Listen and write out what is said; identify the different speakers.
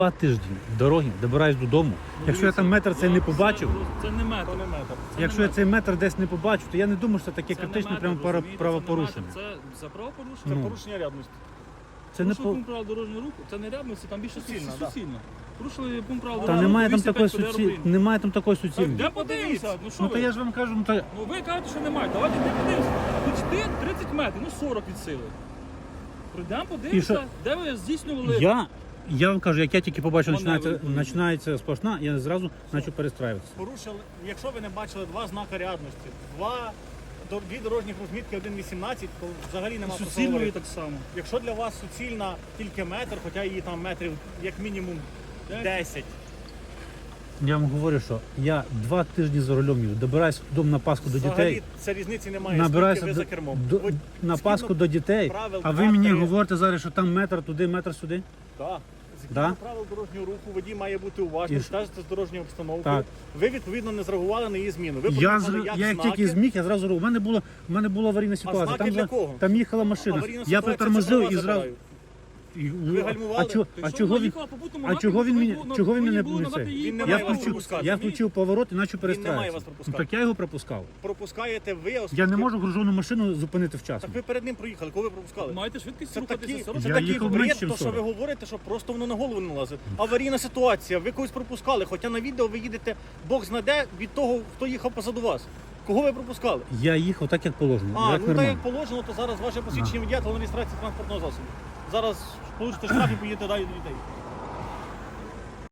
Speaker 1: 2 тижні дороги, добираюсь додому. Якщо я там метр цей не побачив,
Speaker 2: Це не метр.
Speaker 1: якщо я цей метр десь не побачив, то я не думаю, що це таке
Speaker 2: Це не
Speaker 1: критичне
Speaker 2: метр,
Speaker 1: прямо
Speaker 2: розумієте,
Speaker 1: правопорушення.
Speaker 2: Це правопорушення.
Speaker 1: Ну.
Speaker 2: Це порушення рядності.
Speaker 1: Це не
Speaker 2: Порушили пункт правил дорожнього руху, це не рядності, там більше суцільно. Порушили пункт правил
Speaker 1: Та
Speaker 2: дорожнього
Speaker 1: немає там
Speaker 2: 205
Speaker 1: такої
Speaker 2: ПДР України.
Speaker 1: немає там такої суцільності.
Speaker 2: Де подивимося? Ну що
Speaker 1: Ну то
Speaker 2: ви?
Speaker 1: я ж вам кажу, ну то
Speaker 2: Ну ви кажете, що немає. Давайте де подивимося. Тут йти 30 метрів, ну 40 від сили. Пройдемо,
Speaker 1: І
Speaker 2: подивимося,
Speaker 1: що?
Speaker 2: де ви здійснювали.
Speaker 1: я вам кажу, як я тільки побачив,
Speaker 2: Маневри
Speaker 1: починається сплошна, я зразу почав перестраюватися.
Speaker 3: Порушили, якщо ви не бачили два знака рядності, дві дорожніх розмітки 1,18, то взагалі нема про що
Speaker 2: Суцільної
Speaker 3: говорити.
Speaker 2: так само.
Speaker 3: Якщо для вас суцільна тільки метр, хоча її там метрів як мінімум 10.
Speaker 1: Я вам говорю, що я 2 тижні за рулем їду, добираюся додому на Пасху до
Speaker 3: Взагалі
Speaker 1: дітей,
Speaker 3: це різниці немає,
Speaker 1: набираюся
Speaker 3: скільки ви за кермом. Ви
Speaker 1: на
Speaker 3: згідно
Speaker 1: Пасху до дітей,
Speaker 3: правил
Speaker 1: а ви мені
Speaker 3: карти-
Speaker 1: говорите зараз, що там метр туди, метр сюди?
Speaker 3: Так.
Speaker 1: Да?
Speaker 3: Згідно правил дорожнього руху, водій має бути уважним,
Speaker 1: І-
Speaker 3: стежити з дорожньою обстановкою.
Speaker 1: Так.
Speaker 3: Ви відповідно не зреагували на її зміну. Ви
Speaker 1: Я
Speaker 3: проїхали
Speaker 1: як
Speaker 3: знаки.
Speaker 1: тільки зміг, я зразу рухав. У мене була аварійна ситуація.
Speaker 3: знаки
Speaker 1: Там,
Speaker 3: для кого?
Speaker 1: там їхала машина.
Speaker 3: Аварійна
Speaker 1: Я
Speaker 3: ситуація, це
Speaker 1: притормозив
Speaker 3: права
Speaker 1: і зразу.
Speaker 3: забирають. Ви гальмували?
Speaker 1: А чого він? А чого він мені? Чого він мене не це?
Speaker 3: Він не
Speaker 1: Я
Speaker 3: має вас
Speaker 1: включив,
Speaker 3: пропускати.
Speaker 1: я включив поворот і почав
Speaker 3: не має
Speaker 1: перестраюватися.
Speaker 3: вас пропускати.
Speaker 1: Ну, так я його пропускав.
Speaker 3: Пропускаєте ви,
Speaker 1: Я
Speaker 3: оскільки-
Speaker 1: не можу гружену машину зупинити вчасно.
Speaker 3: Так ви перед ним проїхали, коли ви пропускали?
Speaker 2: Маєте швидкість
Speaker 3: Це
Speaker 2: рухатися
Speaker 3: такі,
Speaker 2: 40.
Speaker 3: це
Speaker 1: Я
Speaker 3: такий
Speaker 1: їхав
Speaker 3: бред,
Speaker 1: менше,
Speaker 3: то, що ви
Speaker 1: 40.
Speaker 3: говорите, що просто воно на голову не лазить. Аварійна ситуація, ви когось пропускали, хоча на відео ви їдете, Бог знаде від того, хто їхав позаду вас. Кого ви пропускали?
Speaker 1: Я їхав так, як положено.
Speaker 3: А,
Speaker 1: як
Speaker 3: ну так
Speaker 1: нормально.
Speaker 3: як положено, то зараз ваше посвідчення водія та реєстрації транспортного засобу. Зараз получите штраф і поїдете далі до дітей.